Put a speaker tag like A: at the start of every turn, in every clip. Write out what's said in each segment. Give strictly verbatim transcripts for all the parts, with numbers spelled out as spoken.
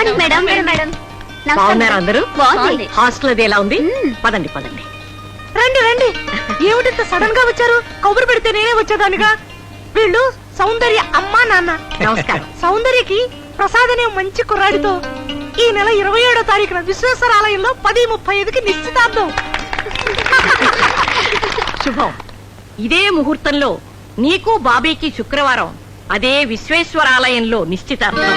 A: Morning madam. Madam
B: బాగున్నారు అందరూ?
A: బాగుంది.
B: హాస్టల్ అది ఎలా ఉంది? పదండి పదండి.
C: రండి రండి. ఏమిటింత సడన్ గా వచ్చారు? కబురు పెడితే నేనే వచ్చేదానిగా. వీళ్ళు సౌందర్య అమ్మా నాన్న.
B: నమస్కారం.
C: సౌందర్యకి ప్రసాద్ అనే మంచి కుర్రాడితో ఈ నెల ఇరవై ఏడో తారీఖున విశ్వేశ్వర ఆలయంలో పది ముప్పై ఐదుకి నిశ్చితార్థం.
B: శుభం. ఇదే ముహూర్తంలో నీకు బాబీకి శుక్రవారం అదే విశ్వేశ్వరాలయంలో నిశ్చితార్థం.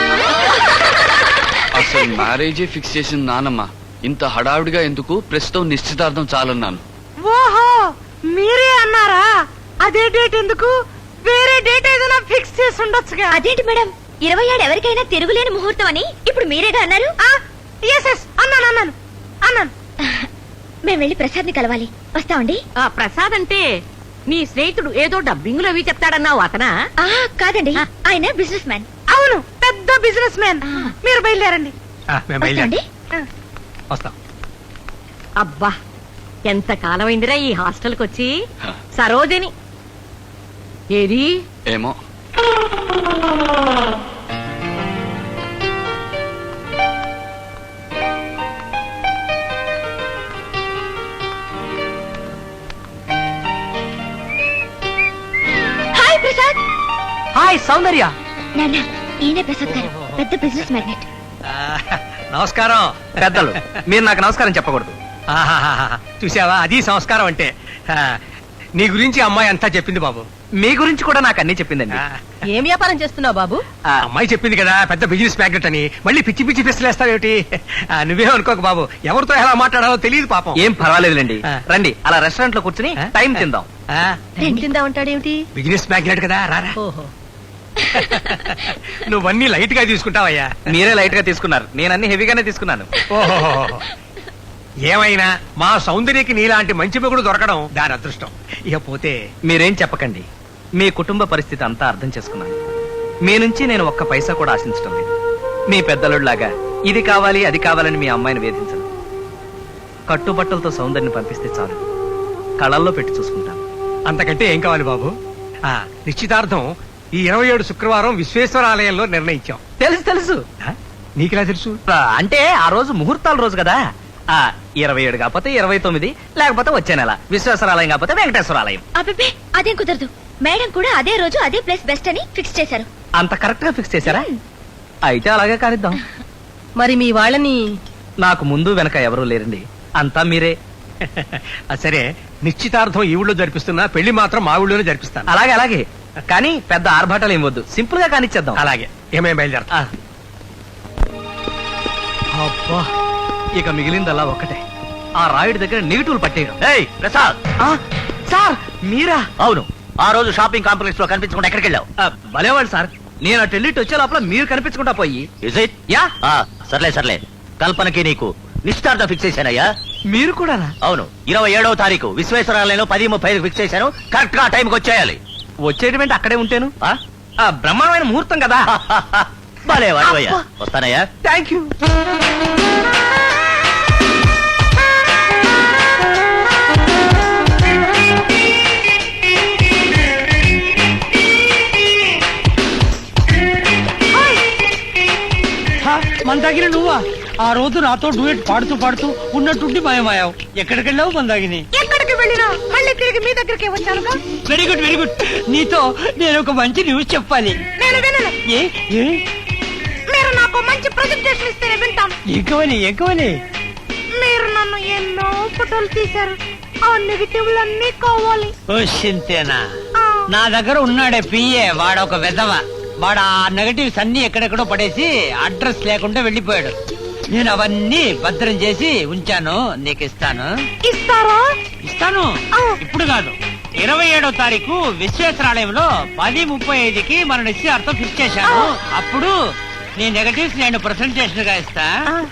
D: అసలు మ్యారేజే ఫిక్స్ చేసిన నానమ్మ ఇంత హడావుడిగా ఎందుకు? ప్రస్తుతం నిశ్చితార్థం చాలన్నాను.
C: ఓహో మీరే అన్నారా? అదే డేట్ ఎందుకు? వేరే డేట్ ఏదైనా ఫిక్స్ చేసి ఉండొచ్చుగా.
A: అదేంటి మేడం, ఇరవై ఏడు ఎవరికైనా తిరుగులేని ముహూర్తం అని ఇప్పుడు మీరేగా అన్నారు.
C: ఎస్ ఎస్ అన్నాను అన్నాను అన్నాను.
A: మేము వెళ్ళి ప్రసాద్ ని కలవాలి. వస్తామండి.
B: ఆ ప్రసాద్ అంటే నీ స్నేహితుడు ఏదో డబ్బింగులు అవి చెప్తాడన్నావు అతనా?
A: ఆ కాదండి, ఆయన బిజినెస్ మ్యాన్.
C: అవును, పెద్ద బిజినెస్ మ్యాన్. మీరు బయలుదేరండి.
A: వస్తామండి.
E: వస్తాం.
B: అబ్బా ఎంత కాలమైందిరా ఈ హాస్టల్కి వచ్చి. సరోజని ఏది?
D: ఏమో.
A: హాయ్ ప్రసాద్.
E: హాయ్ సౌందర్య.
A: నాన్న, ఈయన ప్రసాద్ గారు, పెద్ద బిజినెస్ మ్యాగ్నెట్.
E: నమస్కారం పెద్దలు. మీరు నాకు నమస్కారం చెప్పకూడదు. చూసావా, అది సంస్కారం అంటే. నీ గురించి అమ్మాయి అంతా చెప్పింది బాబు. మీ గురించి కూడా నాకు అన్ని చెప్పిందండి.
B: ఏం వ్యాపారం చేస్తున్నావు బాబు?
E: అమ్మాయి చెప్పింది కదా పెద్ద బిజినెస్ మ్యాగ్నెట్ అని. మళ్ళీ పిచ్చి పిచ్చి పిస్తలేస్తావేమిటి? నువ్వే అనుకోక బాబు, ఎవరితో ఎలా మాట్లాడాలో తెలియదు పాపం.
F: ఏం పర్వాలేదులేండి, రండి అలా రెస్టారెంట్ లో కూర్చుని టైం తిందాం.
B: తిందా ఉంటాడేమిటి?
E: బిజినెస్ మ్యాగ్నెట్ కదా, రారా.
B: ఓహో,
E: నువ్వన్నీ లైట్ గా తీసుకుంటావయ్యా.
F: మీరే లైట్ గా తీసుకున్నారు, నేను అన్ని హెవీగానే తీసుకున్నాను.
E: ఓహో, ఏమైనా మా సౌందర్యకి నీలాంటి మంచి మొగుడు దొరకడం దాని అదృష్టం. ఇక పోతే
F: మీరేం చెప్పకండి, మీ కుటుంబ పరిస్థితి అంతా అర్థం చేసుకున్నాను. మీ నుంచి నేను ఒక్క పైసా కూడా ఆశించడం లేదు. మీ పెద్దలులాగా ఇది కావాలి అది కావాలని మీ అమ్మాయిని వేధించను. కట్టుబట్టలతో సౌందర్యని పంపిస్తే చాలు, కళల్లో పెట్టి చూసుకుంటాను.
E: అంతకంటే ఏం కావాలి బాబు? ఆ నిశ్చితార్థం ఈ ఇరవై ఏడు శుక్రవారం విశ్వేశ్వర ఆలయంలో నిర్ణయించాం.
F: తెలుసు తెలుసు.
E: నీకెలా తెలుసు?
F: అంటే ఆ రోజు ముహూర్తాల రోజు కదా. ఆ ఇరవై ఏడు కాకపోతే ఇరవై తొమ్మిది, లేకపోతే వచ్చే నెల విశ్వేశ్వరాలయం కాకపోతే వెంకటేశ్వరాలయం.
A: అబ్బే అదేం కుదరదు. మేడం కూడా అదే రోజు అదే ప్లేస్ బెస్ట్ అని ఫిక్స్ చేశారు.
F: అంత కరెక్ట్ గా ఫిక్స్ చేశారా? అయితే అలాగే కానిద్దాం.
B: మరి మీ వాళ్ళని?
F: నాకు ముందు వెనక ఎవరూ లేరండి, అంతా మీరే.
E: సరే, నిశ్చితార్థం ఈ ఊళ్ళో జరిపిస్తున్నా, పెళ్లి మాత్రం మా ఊళ్ళోనే జరిపిస్తాను.
F: అలాగే అలాగే, కానీ పెద్ద ఆర్భాటాలు ఏం వద్దు, సింపుల్ గా కానిచ్చేద్దాం.
E: అలాగే, ఏమేం బయలుదేరతా.
F: అబ్బా, ఇక మిగిలిందల్లా ఒక్కటే, ఆ రాయుడి దగ్గర నెగిటివ్లు పట్టేయడం.
G: ఏయ్ ప్రసాద్.
F: సార్ మీరా?
G: అవును, ఆ రోజు షాపింగ్ కాంప్లెక్స్ లో కనిపించకుండా ఎక్కడికి వెళ్ళావు?
F: భలేవాడు సార్, నేను అటు వెళ్ళి వచ్చే లోపల మీరు కనిపించకుండా పోయి.
G: Is it?
F: యా.
G: సర్లే సర్లే, కల్పనకి నీకు నిశ్చితార్థం ఫిక్స్ చేశానయ్యా.
F: మీరు కూడా?
G: అవును, ఇరవై ఏడవ తారీఖు విశ్వేశ్వరాలయంలో పది ముప్పై ఐదు ఫిక్స్ చేశాను. కరెక్ట్ గా టైంకి వచ్చేయాలి.
F: వచ్చేటంటే అక్కడే ఉంటాను. బ్రహ్మాండమైన ముహూర్తం కదా.
G: భలే వాడివయ్యా, వస్తానయ్యా.
F: Thank you.
H: మందాగిని నువ్వా? ఆ రోజు నాతో డూయట్ పాడుతూ పాడుతూ ఉన్నట్టుండి మాయమాయావు. ఎక్కడికి వెళ్ళావు మందాగిని?
C: ఎక్కడికి వెళ్ళినా మళ్ళీ తిరిగి మీ దగ్గరికి వచ్చానుగా.
H: Very good very good. నీతో నేను ఒక మంచి న్యూస్ చెప్పాలి.
C: నేను వినను.
H: ఏ ఏ
C: మీరు నాకు మంచి ప్రజెంటేషన్ ఇస్తేనే వింటాను.
H: ఎక్కువని ఎక్కువని
C: మీరు నన్ను ఎన్నో ఫోటోలు తీశారు, ఆ నెగిటివ్లన్నీ కావాలి.
H: ఓ సింతేనా? నా దగ్గర ఉన్నాడే పిఏ, వాడొక వెధవ. వాడు ఆ నెగటివ్స్ అన్ని ఎక్కడెక్కడో పడేసి అడ్రస్ లేకుండా వెళ్ళిపోయాడు. నేను అవన్నీ భద్రం చేసి ఉంచాను, నీకు ఇస్తాను.
C: ఇస్తారా?
H: ఇస్తాను, ఇప్పుడు కాదు. ఇరవై ఏడో తారీఖు విశ్వేశ్వరాలయంలో పది ముప్పై ఐదుకి మన నిశ్చయార్థం ఫిక్స్ చేశాను. అప్పుడు నీ నెగటివ్స్ నేను ప్రెసెంటేషన్ గా ఇస్తా.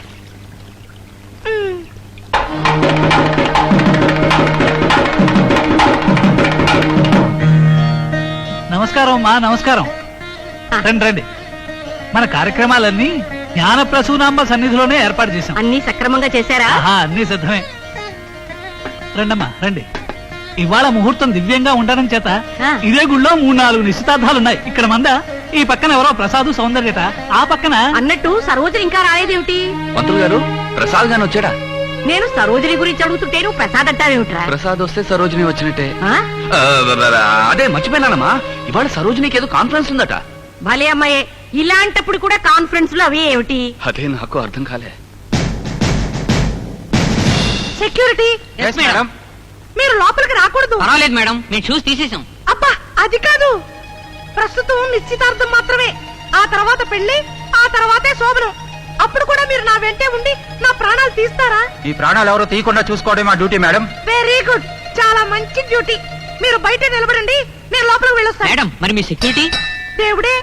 I: నమస్కారం మా నమస్కారం. రండి రండి. మన కార్యక్రమాలన్నీ జ్ఞాన ప్రసూనాంబ సన్నిధిలోనే ఏర్పాటు చేశాం.
B: అన్ని సక్రమంగా చేశారా?
I: అన్ని సిద్ధమే. రండమ్మా రండి. ఇవాళ ముహూర్తం దివ్యంగా ఉండడం చేత ఇదే గుళ్ళో మూడు నాలుగు నిశ్చితార్థాలున్నాయి. ఇక్కడ మంద ఈ పక్కన ఎవరో ప్రసాద్ సౌందర్యత, ఆ పక్కన
B: అన్నట్టు సరోజని ఇంకా రాలేదేమిటి?
D: పంతులు గారు ప్రసాద్ గాని వచ్చాడా?
B: నేను సరోజని గురించి అడుగుతుంటే నువ్వు ప్రసాద్ అంటావేమిట్రా?
D: ప్రసాద్ వస్తే సరోజిని వచ్చినట్టే.
B: ఆ?
D: ఆ, అదే మర్చిపోయినానమ్మా, ఇవాళ సరోజినికి ఏదో కాన్ఫరెన్స్ ఉందట.
B: భలే అమ్మాయే, ఇలాంటప్పుడు కూడా కాన్ఫరెన్స్ లో అవి ఏమిటి?
D: అదే నాకు అర్థం కాలే.
C: సెక్యూరిటీ మీరు లోపలికి రాకూడదు.
H: పర్వాలేదు మేడం, మేము చూసి తీసేసాం.
C: అబ్బా అది కాదు, ప్రస్తుతం నిశ్చితార్థం మాత్రమే. ఆ తర్వాత పెళ్లి, ఆ తర్వాతే శోభనం. అప్పుడు కూడా మీరు నా వెంటే ఉండి నా ప్రాణాలు తీస్తారా?
G: ఈ ప్రాణాలు ఎవరో తీయకుండా చూసుకోవడం మా డ్యూటీ మేడం.
C: వెరీ గుడ్, చాలా మంచి డ్యూటీ. మీరు బయట నిలబడండి, నేను లోపలికి వెళ్ళొస్తాను.
H: మేడం మరి మీ సెక్యూరిటీ?
C: దేవుడే,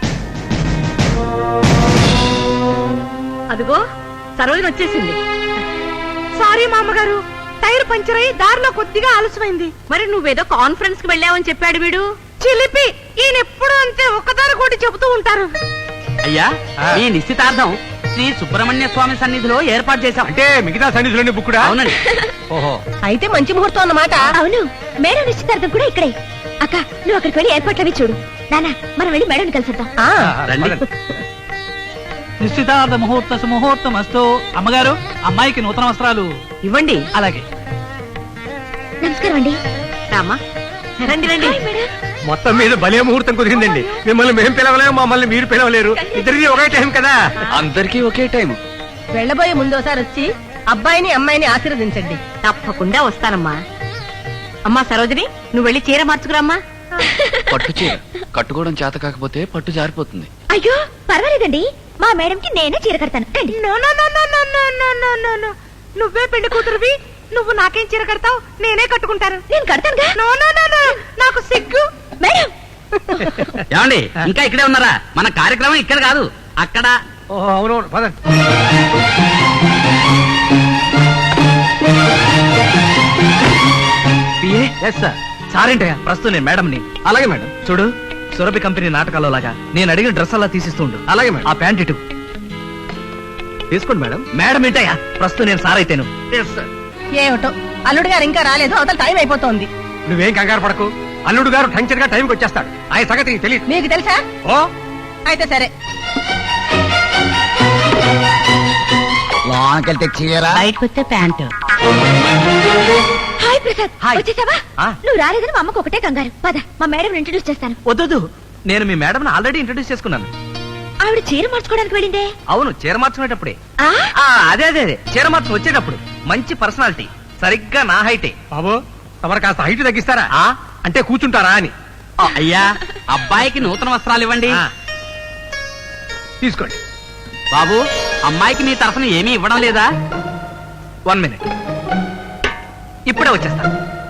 B: అదిగో సరోజని వచ్చేసింది.
C: సారీ మా అమ్మగారు, టైర్ పంచర్ అయి దారిలో కొద్దిగా ఆలస్యమైంది.
B: మరి నువ్వేదో కాన్ఫరెన్స్ కి వెళ్ళావని చెప్పాడు వీడు.
C: చిలిపి, ఈయన ఎప్పుడు అంతే ఒక్కదాని కూడా చెబుతూ ఉంటారు.
H: అయ్యా, ఈ నిశ్చితార్థం శ్రీ సుబ్రహ్మణ్య స్వామి సన్నిధిలో ఏర్పాటు చేశాం.
E: అంటే మిగతా సన్నిధిలోని బుక్కుడా?
H: అవునండి.
E: ఓహో,
C: అయితే మంచి ముహూర్తం అన్నమాట.
A: అవును, మేడం నిశ్చితార్థం కూడా ఇక్కడే. అక్క, నువ్వు అక్కడికి వెళ్ళి ఏర్పాట్లు అవి చూడు. నానా, మనం వెళ్ళి మేడం కలిసిద్దాం.
H: రండి.
I: నిశ్చితార్థ ముహూర్త సుముహూర్తం అస్తు. అమ్మగారు, అమ్మాయికి నూతన వస్త్రాలు
B: ఇవ్వండి.
I: అలాగే.
A: నమస్కారం అండి.
B: రామా, రండి రండి.
A: Hi madam.
E: మొత్తం మీద భలే ముహూర్తం కుదిరిందండి. మిమ్మల్ని మేము పిలవలేము, మమ్మల్ని మీరు పిలవలేరు. ఇద్దరిది ఒకే టైం కదా.
D: అందరికీ ఒకే టైం.
C: వెళ్ళబోయే ముందోసారి వచ్చి అబ్బాయిని అమ్మాయిని ఆశీర్వదించండి.
B: తప్పకుండా వస్తానమ్మా. అమ్మా సరోజిని, నువ్వు వెళ్ళి చీర మార్చుకురామ్మా.
D: పట్టు చీర కట్టుకోవడం చేత కాకపోతే పట్టు జారిపోతుంది.
A: అయ్యో పర్వాలేదండి, మా మేడం కి నేనే చీర కడతాను. రండి.
C: No, no, no, no, no, no, no, no, no, no. నువ్వే పెళ్లి కూతురువి, నువ్వు నాకేం చీర కడతావు? నేనే కట్టుకుంటాను.
A: నేను కడతానుగా.
C: నో, నో, నో, నో, నాకు సిగ్గు.
A: మేడం,
H: ఏమండి, ఇంకా ఇక్కడే ఉన్నారా? మన కార్యక్రమం ఇక్కడ కాదు, అక్కడ.
E: ఓహో, అవునవును, పదండి.
F: Yes sir. సారేంటయ్యా, ప్రస్తుతం నేను మేడంని.
E: అలాగే మేడం.
F: చూడు, సురభి కంపెనీ నాటకాల్లో లాగా నేను అడిగిన డ్రెస్ అలా తీసిస్తుండు.
E: అలాగే మేడం.
F: ఆ ప్యాంట్ ఇటు.
E: తీసుకోండి మేడం.
F: మేడం ఏంటయ్యా, ప్రస్తుతం నేను సార్ అయితేను.
C: ఏమిటో అల్లుడు గారు ఇంకా రాలేదు, అవతల టైం అయిపోతోంది.
E: నువ్వేం కంగారు పడకు, అల్లుడు గారు టంచర్ గా టైంకి వచ్చేస్తాడు. ఆయన సంగతి నీకు తెలియదు.
C: మీకు తెలుసా?
E: ఓ,
C: అయితే సరే.
G: లోనకెళ్తే చీర,
H: బయటకు వస్తే ప్యాంటు.
A: Hi Prasad,
F: hi.
A: వచ్చేసావా?
F: ఆ.
A: నువ్వు రాలేదని మా అమ్మకు ఒకటే కంగారు. పద, మా మేడం ఇంట్రడ్యూస్ చేస్తాను.
F: వద్దు, నేను మీ మేడం ఆల్రెడీ ఇంట్రడ్యూస్ చేసుకున్నాను.
A: ఆవిడ చీర మార్చుకోవడానికి వెళ్ళిందే.
F: అవును, చీర మార్చుకునేటప్పుడే.
A: ఆ?
F: ఆ, అదే అదే అదే చీర మార్చుకు వచ్చేటప్పుడు మంచి పర్సనాలిటీ, సరిగ్గా నా హైటే.
E: బాబు తమరు కాస్త హైట్ తగ్గిస్తారా?
F: ఆ,
E: అంటే కూర్చుంటారా అని.
H: అయ్యా, అబ్బాయికి నూతన వస్త్రాలు ఇవ్వండి.
E: ఆ, తీసుకోండి.
H: బాబు, అమ్మాయికి నీ తరఫున ఏమీ ఇవ్వడం లేదా?
F: వన్ మినిట్, ఇప్పుడే వచ్చేస్తా.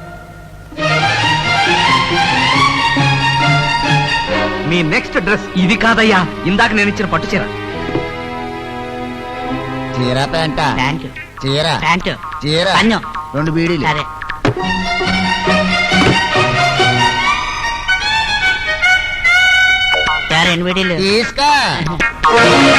F: మీ నెక్స్ట్ డ్రెస్ ఇది కాదయ్యా, ఇందాక నేను ఇచ్చిన పట్టు చీర.
G: చీర ప్యాంట,
H: ప్యాంటు.
G: చీర
H: ప్యాంటు.
G: చీర
H: పన్ను.
G: రెండు బీడీలు.
H: సరే. సరే, ఎన్ని వీడియోలు?
G: తీసుకో.